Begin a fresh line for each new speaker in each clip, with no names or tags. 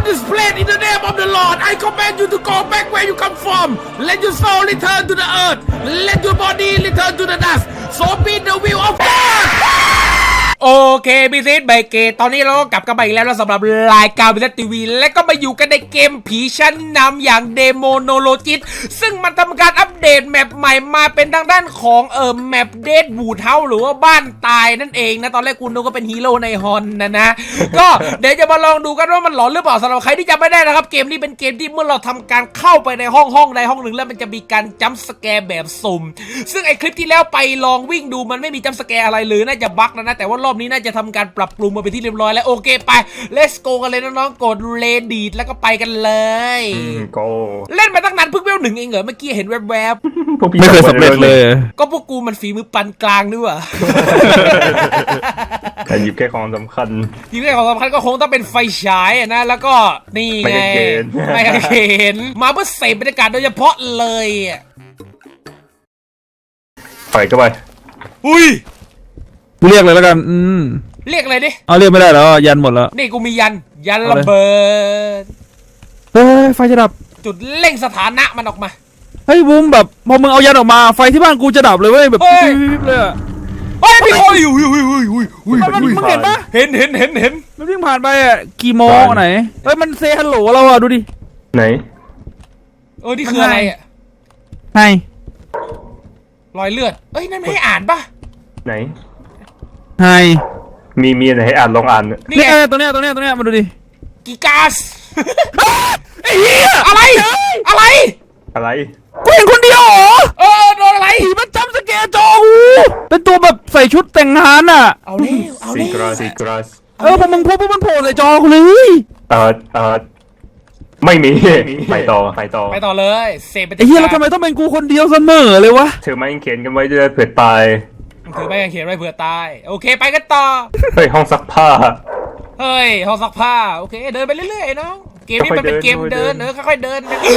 this place in the name of the Lord. I command you to go back where you come from. Let your soul return to the earth. Let your body return to the dust. So be the will of God. โอเคบิซิสไบเกตตอนนี้เราก็กลับกันมาอีกแล้วสำหรับรายการบิซิสทีวีและก็มาอยู่กันในเกมผีชั้นนำอย่างเดโมโนโลจิตซึ่งมันทำการอัปเดตแมปใหม่มาเป็นทางด้านของแมปเดดบูทเฮาหรือว่าบ้านตายนั่นเองนะตอนแรกคุณนึกว่าเป็นฮีโร่ในฮอนนะก็เดี๋ยวจะมาลองดูกันว่ามันหลอนหรือเปล่าสำหรับใครที่จำไม่ได้นะครับเกมนี้เป็นเกมที่เมื่อเราทำการเข้าไปในห้องใดห้องหนึ่งแล้วมันจะมีการจัมป์สแกร์แบบสุ่มซึ่งไอคลิปที่แล้วไปลองวิ่งดูมันไม่มีจัมป์สแกร์อะไรเลยน่าจะบั๊กนะแต่ว่ารอบนี้น่าจะทำการปรับปรุงมาเป็นที่เรียบร้อยแล้วโอเคไป let's go กันเลยน้องๆกดเลดีดแล้วก็ไปกันเลย
go
เล่นมาตั้งนานเพิ่งเวล1เองเหรอเมื่อกี้เห็นแวบ
ๆไม่เคยสำเร็จเลย
ก็พวกกูมันฝีมือปานกลางด้วยว่ะ
แต่หยิบแค่ของสำคัญ
หยิบแค่ของสำคัญก็คงต้องเป็นไฟฉายนะแล้วก็นี่ไงไม่เห็นมาเพื่อเสพบรรยากาศโดยเฉพาะเลย
ไปก็ไป
อุ้ย
เรียกเลยแล้วกัน
เรียกอะไรดิ
เอาเรียกไม่ได้แล้วยันหมดแล้ว
นี่กูมียันระเบิด
เฮ้ยไฟจะดับ
จุดเร่งสถานะมันออกมา
เฮ้ยบูมแบบพอมึงเอายันออกมาไฟที่บ้านกูจะดับเลยเว้ยแบบวิบเลยอะ
เฮ้ยพี่โอ้ย
มึงเห็นปะ
เห็น
มันวิ่งผ่านไปอะกี่โมงไหนเฮ้ยมันเซฮัลโหลเราอะดูดิ
ไหน
นี่คืออะไรอะ
ไง
รอยเลือดเอ้ยนั่นไม่ให้อ่านปะ
ไหน
ไง
มีอะไรให้อ่านลองอ่าน
นี่ตัวเนี้ยมาดูดิ
กีกาสไอ้เหี้ยอะไร
กูเห็นคนเดียวเหรอ
โดนอะไร
มันจำสแกร์จอกูเป็นตัวแบบใส่ชุดแต่งงานอ่ะ
เอาเลย
ซีกราส
พอมึงพบมันโผล่ใส่จอกูเลย
ไม่มีไปต่
อเลยเสพไป
ไอ้เหี้ยแล้วทำไมต้องเป็นกูคนเดียวเสมอเลยวะ
ถือไม้เขียนกันไว้ด้วยเผื่อตาย
ถือไม้เขียนไว้เผื่อตายโอเคไปกันต่อ
เฮ้ยห้องซักผ้า
โอเคเดินไปเรื่อยๆน้องเกมนี้มันเป็นเกมเดินค่อยๆเดิน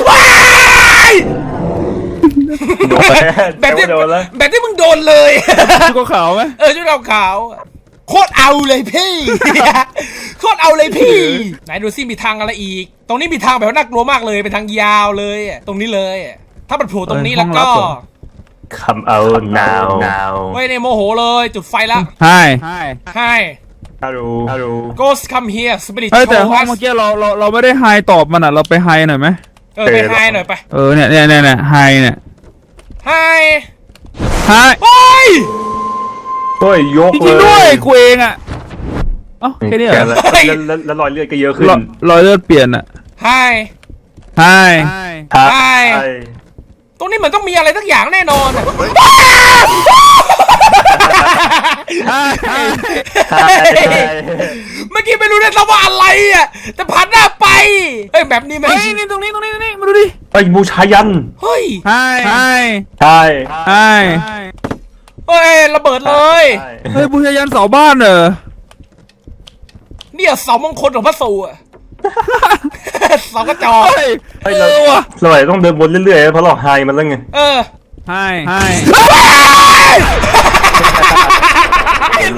แบบที่มึงโดนเลย
ชุดขาวไหม
ชุดขาวโคตรเอาเลยพี่ไหนดูซิมีทางอะไรอีกตรงนี้มีทางแบบน่ากลัวมากเลยเป็นทางยาวเลยตรงนี้เลยถ้ามันโผล่ตรงนี้แล้วก็
come out now
เฮ้ยในโมโหเลยจุดไฟละ
Hi
Hello
Ghost come here Spirit
แต่ห้องเมื่อกี้เราไม่ได้ไฮตอบมันอ่ะเราไปไฮหน่อยไหม
ไปไฮหน่อยไป
เนี่ยไฮเนี่ย
ไฮ
โอ้ยยก
เลยจริงด้วยกูเองอ่ะแค่นี้เหรอ
แล้วรอยเลือดก็เยอะขึ้น
รอยเลือดเปลี่ยนอ่ะ
ไฮตรงนี้เหมือนต้องมีอะไรสักอย่างแน่นอนเมื่อกี้ไม่รู้ได้ว่าอะไรอ่ะแต่ผ่านหน้าไปแบบนี้ไหม
นี่ตรงนี้มาดูดิ
บูชายัน
เฮ้ยระเบิดเลย
บูชายันเสาบ้านเหรอ
เนี่ยเสามงคลของพระสูอ่ะเสากระจอก
สมัยต้องเดินวนเรื่อยๆเพราะเราไฮมันแล้วไง
ไฮ
เห็น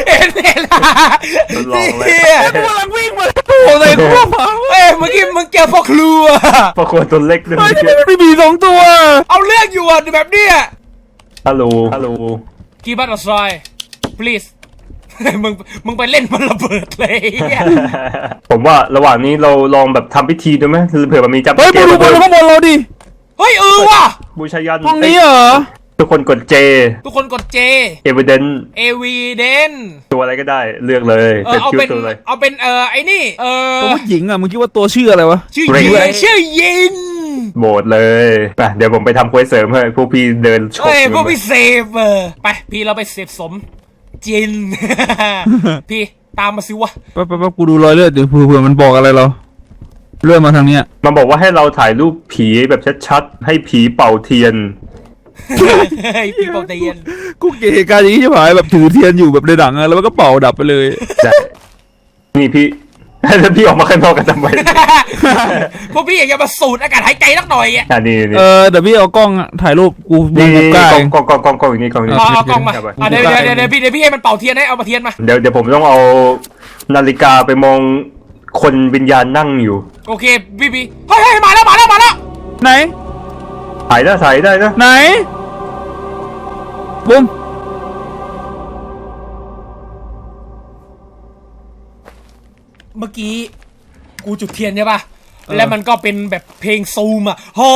กูกำลังวิ่งมาโอ้ยกู
เมื่อกี้มึงเจอพ่อครัว
ตัวเล็กด้วย
ไม่มี2ตัว
เอาเรื่องอยู่อ่ะแบบเนี้ย
ฮัลโหล
กีบัตต์ซอย please มึงไปเล่นมันระเบิดเลย
ผมว่าระหว่างนี้เราลองแบบทำพิธีดูไหมเผื่อมันมีจับ
เฮ้ยมาดูบนข้างบนเราดิ
เฮ้ยว่ะ
บูชายัน
ห้องนี้เหรอ
ทุกคนกดJ evidence ตัวอะไรก็ได้เลือกเลย
เป็นชื่อตัวเลยเอาเป็นไอ้นี่
ตัวผู้หญิงอ่ะมึงคิดว่าตัวชื่ออะไรวะ
ชื่อยิน
โหมดเลยไปเดี๋ยวผมไปทำเควสเสริมให้พวกพี่เดินชก
พวกพี่เซฟไปพี่เราไปเซฟสมจินพี่ตามมาสิวะ
แป๊บกูดูรอยเลือดเดี๋ยวเผื่อมันบอกอะไรเราเลื่อนมาทางเนี้ย
มันบอกว่าให้เราถ่ายรูปผีแบบชัดๆให้ผีเป่าเทียน
พี่เป่าเทียน
กูเกลียดการอย่างนี้ใช่ไหมแบบถือเทียนอยู่แบบในหนังอะแล้วมันก็เป่าดับไปเลย
นี่พี่แล้วพี่ออกมาข้างนอกกันทำไม
พวกพี่อยากจะมาสูดอากาศหายใจสักหน่อย
อ่ะนี่
เดี๋ยวพี่เอากล้องถ่ายรูปกู
นี่กล้องอย่างนี้กล้องนี้
เอากล้องมาเดี๋ยวพี่ให้มันเป่าเทียนให้เอามาเทียนมา
เดี๋ยวผมต้องเอานาฬิกาไปมองคนวิญญาณนั่งอยู่
โอเคบีเฮ้ยมาแล้ว
ไหน
ถ่ายได้นะ
ไหนบูม
เมื่อกี้กูจุดเทียนใช่ป่ะแล้วมันก็เป็นแบบเพลงซูมอ่ะโอ้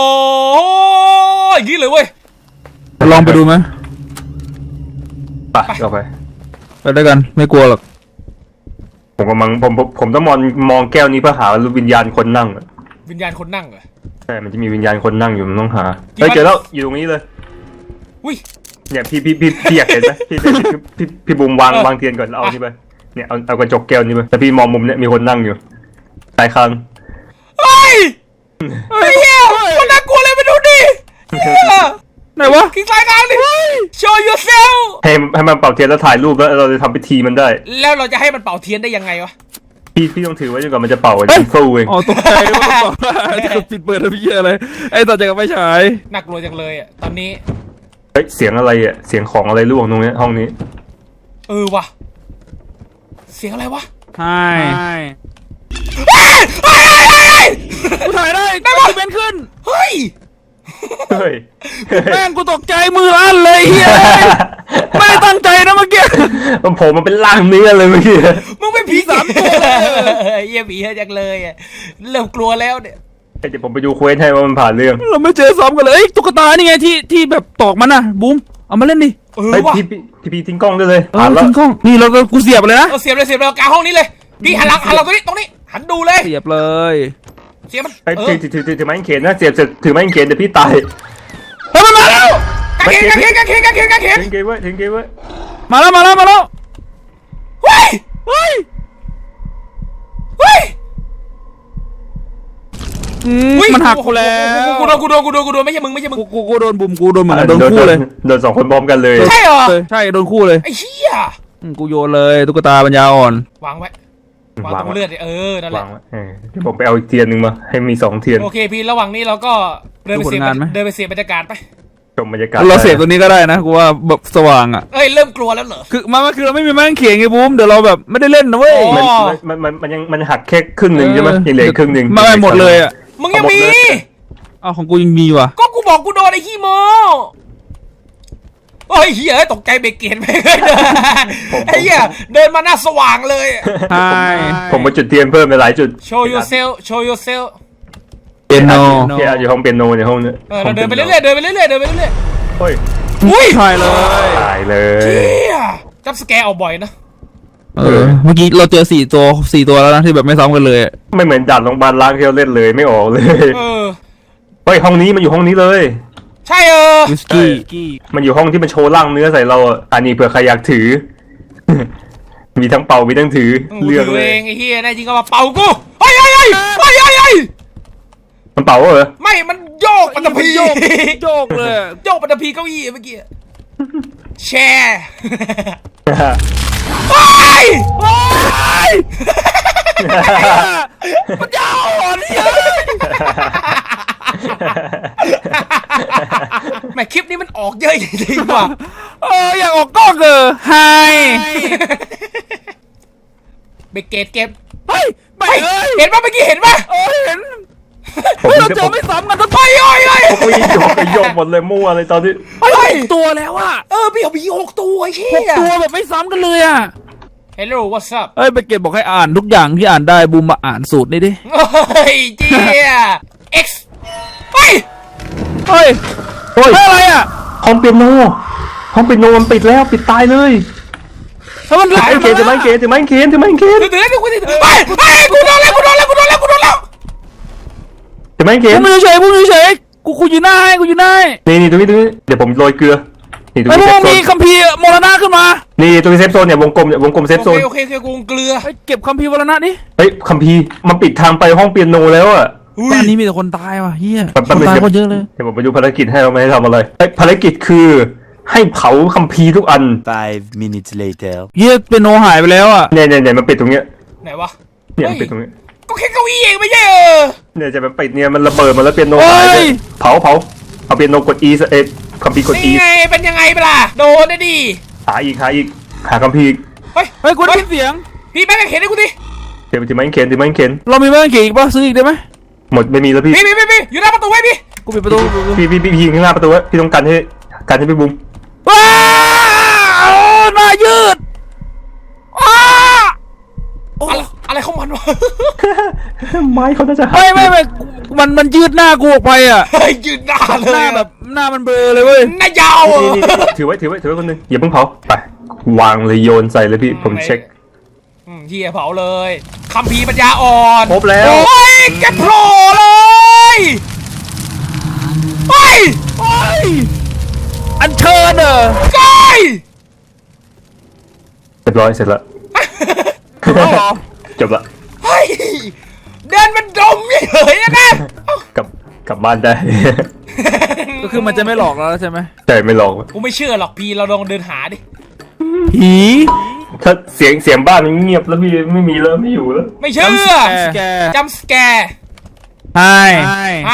ยอย่างนี้เลยเว้ย
ลองไปดูไหม
ไปเอาไป
ไปด้วยกันไม่กลัวหรอก
ผมกำลังผมต้องมองแก้วนี้เพื่อหาวิญญาณคนนั่ง
วิญญาณคนนั่งเหรอ
ใช่มันจะมีวิญญาณคนนั่งอยู่มันต้องหา
จริงปะ
เฮ้ยเจอแล้วอยู่ตรงนี้เลย
อุ้ย
เนี่ยพี่อยากเห็นไหมพี่บูมวางเทียนก่อนเอานี่ไปเนี่ยเอากระจกแก้วนี้ไปแต่พี่มองมุมเนี่ยมีคนนั่งอยู่สายคาง
เฮ้ยไอ้เหี้ยมันน่ากลัวเลยไปดูดิเหี้ย
ไหนวะ
คลิกซ้ายกลางดิ show yourself
ให้มันเป่าเทียนแล้วถ่ายรูปแล้วเราจะทำพิธีมันได้
แล้วเราจะให้มันเป่าเทียนได้ยังไงวะ
พี่ต้องถือไว้จนกว่ามันจะเป่าจะสู้เอง
อ๋อตกใจว่าต้องบอกว่าจะปิดเปิดอะไรพี่อะไรไอ้ต่อจากกับไฟฉาย
น่ากลัวจังเลยอ่ะตอนนี้
เฮ้ยเสียงอะไรอ่ะเสียงของอะไรร่วงตรงเนี้ยห้องนี้
ว่ะเสียงอะไรวะ
ใช่กูถ่ายได้
ได้ปะ
กูเป็นขึ้น
เฮ้ย
เฮ้ย
แม่งกูตกใจมือลั่นเลยเฮียไม่ได้ตั้งใจนะเมื่อกี้
มันโผล่มาเป็นร่างเนื้อเลยเมื่อกี้
มึงเป็นผี
สามตัว
เยี่ยผีเยอะจังเลยอ่ะเริ่มกลัวแล้วเนี่ย
เดี๋ยวผมไปดูเควสให้ว่ามันผ่านเรื่อง
เราไม่เจอซ้อมกันเลยตุ๊กตานี่ไงที่แบบตอกมันน่ะบูมเอามาเล่นดิ
เฮ้ย
ว่ะ
พี่ทิ้งกล้องได้เลยผ่านแล้ว
ทิ้งกล้องนี่เราก็กูเสียบเลยนะ
เสียบเลยกลางห้องนี้เลยพี่หันหลังตรงนี้หันดูเลย
เสียบเลย
เสียบมัน
ไอ้ถือไม้เขนนะเสียบถือไม้เขนเดี๋ยวพี่ตาย
เฮ้ยมันมาแล้ว
กางเขน
ทิ้งเกมไว้
มาแล้ว
เฮ้ย
เฮ้ย
เฮ้ย
มันหักกูแล้ว
กูโดนไม่ใช่มึง
กูโดนบุมกูโดนเหมือนกันโดนคู่เลย
โดนสองคนพร้อมกันเลย
ใช่เหรอ
ใช่โดนคู่เลย
ไอ้เหี้ย
กูโยนเลยตุ๊กตาปัญญาอ่อน
วางไว้วางตรงเลือดนั่นแห
วา
ละ
งไว้เดี๋ยวผมไปเอาอีกเทียนหนึ่งมาให้มี2เทียน
โอเคพี่ระหว่างนี้เราก็เดินไปเสียบรรยากาศไป
ชมบรรยากาศ
เราเสพตัวนี้ก็ได้นะกูว่าแบบสว่างอ่ะ
เริ่มกลัวแล้วเหรอ
คือมันคือเราไม่มีแม่งเขียงไงบูมเดี๋ยวเราแบบไม่ได้เล่นนะเว้ย
มันหักแค่ครึ่งหนึ่งใช่ไหมยังเหลือครึ่งหนึ่ง
ไม่หมดเลยอ่ะ
มึงยังมี
อ้าวของกูยังมีว่ะ
ก็กูบอกกูโดนไอ้ขี้โมโอ้ยเหี้ยตกใจเบรกเกตไปเลยไอ้เหี้ยเดินมาหน้าสว่างเลย
ใช่
ผมมาจุดเทียนเพิ่มไปหลายจุด
show yourself
เปียโน
พี่อาจอยู่ห้องเปียโนในห้องนี้
เราเดินไปเรื่อยๆ
เฮ้ย
อุ้ย
ใช่เลย
ตายเล
เชี่
ย
ยจับสแกร์เอาบ่อยนะ
เมื่อกี้เราเจอ4 ตัวแล้วนะที่แบบไม่ซ้ำกันเลย
ไม่เหมือนด่านโรงพยาบาลล้างที่เราเล่นเลยไม่ออกเลย เฮ้ยห้องนี้มันอยู่ห้องนี้เลย
ใช่
วิสกี้
มันอยู่ห้องที่มันโชว์ร่างเนื้อใส่เราอ่ะอันนี้เผื่อใครอยากถือ มีทั้งเป่ามีทั้งถือเลือกเลย
เองไอ้เหี้ยแน่จริงก็มาเป่ากูเฮ้ย
มันเป่าเหรอ
ไม่มันโยกปัตตภี
โยกเลย
โยกปัตตภีเก้าอี้เมื่อกี้แชร์ไป
มันยาวอ่อนเนี่ย
แม่คลิปนี้มันออกเยอะจริงๆว่ะ
อยากออกกล้องไฮ
เบรกเกตเก็บ
เฮ้ยไปเลย
เห็นป่ะเมื่อกี้เห็นป่ะ
เห็น
ผม
เราเจอไม่ซ้ำกันทั้งไป
ผมโยกหมดเลยมั่วเลยตอนที่
ตัวแล้วอะ
พี่เอาผี6 ตัวไอ้เชี่
6 ตัวแบบไม่ซ้ำกันเลยอะ
Hello what's up
เฮ้ยไปเก็บบอกให้อ่านทุกอย่างที่อ่านได้บูมมาอ่านสูตรนี่ดิ
เฮ้ยเจี๊ย X เฮ้ย
เฮ้ยอะไรอะ
ห้องเปียโนมันปิดแล้วปิดตายเลย
ถ้ามันไหล
ถือไม้เขน
ถือกูถือเฮ้ยกูโดนแล้ว
ถือไม้เข
บู
น
มอยู่เฉยกูอยู่หน้าให้
นี่ตรงนี้เดี๋ยวผมโรยเกลือนี่ตรง
ไอ้
นี้
พ
เซ
ว
ฟ
ก
โซ
มี
น
คัมภีร์มรณะขึ้นมา
นี่ตรงนี้เซฟโซนเนี่ยวงกลมเซฟโซน
โอเคกูเกลือ
เก็บคัมภีร์มรณะดิ
เฮ้ยคัมภีร์มันปิดทางไปห้องเปียโนแล้วอ่ะ
บ้านนี้มีแต่คนตายว่ะเฮีย
มัน
คนตายก็เยอะเลย
เดี๋ยวผมไปดูภารกิจให้เราไม่ให้ทำอะไรภารกิจคือให้เผาคัมภีร์ทุกอัน
5 minutes later
เฮียเป็นโนหายไปแล้วอ่ะ
เนี่ยมันปิดตรงเนี้ย
ไหนวะ
เนี่ยมันปิดตรงนี้
ก็แค่เก้าอี้เองไม่ใช่
เนี่ยจะมันปิดเนี่ยมันระเบิดมาแล้วเปียโนหายเลยเผาเอาเปียโนกด E คัมภีร์กด E
นี่ไงเป็นยังไงเปล่าโดนได้ดิ
หาคัมภีร์
เฮ้ย
เฮ้ยกูได้ยินเสียง
พี่แม่งเห็นให้กูดิ
เดี๋ยวถือไม้เข็นถือไม้เข็น
เรามีแม่งกี่อีกป่ะซื้ออีกได้ไหม
หมดไม่มีแล้วพี่
พี่อยู่หน้าประตูไว้พี่
กูปิดประตู
พี่ยิงข้างหน้าประตูไว้พี่ต้องกันให้พี่บุ้ม
ว้าวหน้ายืดอ้าโอ้
อะไรของมันวะ
ไม้เขาน่าจะหัก
ไม่มันยืดหน้ากูออกไปอ่ะ
เฮ้ยยืนหน้าเล
หน้าย
อะ
แบบหน้ามันเบลอเลยเว้ย
หน้ายาวอะ
นี่ถือไว้คนหนึงอย่าเพิ่งเผาไปวางเลยโยนใส่เลยพี่ผมเช็ค
เฮียเผาเลยคัมภีร์ปัญญาอ่อน
ครบแล้ว
โอ้ยแกโผล่เลยเฮ้ย
โอ้ยอันเชิญเหรอ
กาย
เรียบร้อยเสร็จแล้ว
เอาเหรอ
จบละ
เฮ้ยเดินมันดมเฉยๆนะ
กลับบ้านได้
ก็คือมันจะไม่หลอกเราแล้วใช่ไหม
แต่ไม่ลอง
กูไม่เชื่อหรอกพี่เราลองเดินหาดิ
ผี
ถ้าเสียงบ้านมันเงียบแล้วพี่ไม่มีแล้วไม่อยู่แล้ว
ไม่เชื่อ
สแกร์
จัมสแกร์
ไฮ
ไฮ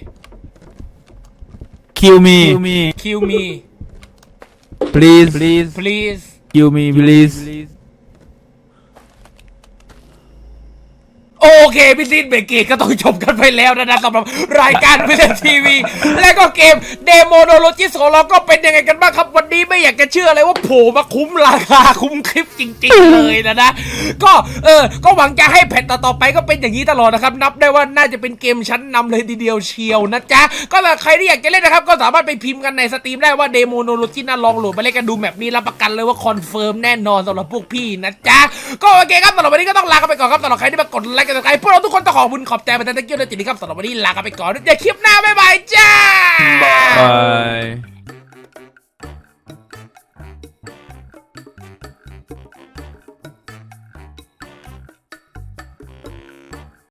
คิวมี
คิวมี
please
please
kill me please
โอเคพี่ซีนเบรกเกตก็ต้องจบกันไปแล้วนะสำหรับรายการพิเศษทีวีและก็เกมเดโมโนโลจิสของเราก็เป็นยังไงกันบ้างครับวันนี้ไม่อยากจะเชื่อเลยว่าโผล่มาคุ้มราคาคุ้มคลิปจริงๆเลยนะก็หวังจะให้แผ่นต่อๆไปก็เป็นอย่างนี้ตลอดนะครับนับได้ว่าน่าจะเป็นเกมชั้นนำเลยทีเดียวเชียวนะจ๊ะก็ถ้าใครที่อยากจะเล่นนะครับก็สามารถไปพิมพ์กันในสตรีมได้ว่าเดโมโนโลจิน่าลองโหลดมาเล่นกันดูแมปนี้รับประกันเลยว่าคอนเฟิร์มแน่นอนสำหรับพวกพี่นะจ๊ะก็โอเคครับสำหรับวันนี้ก็ต้องลากันไปก่อนครับสำหรับใครที่มากดไลค์กันต่อไปพวกเราทุกคนต้องขอบคุณขอบใจไปทั้งตะเกียบและจิตดีครับสำหรับวันนี้ลากันไปก่อนเดี๋ยวคลิปหน้าบ๊ายบายจ้า
บาย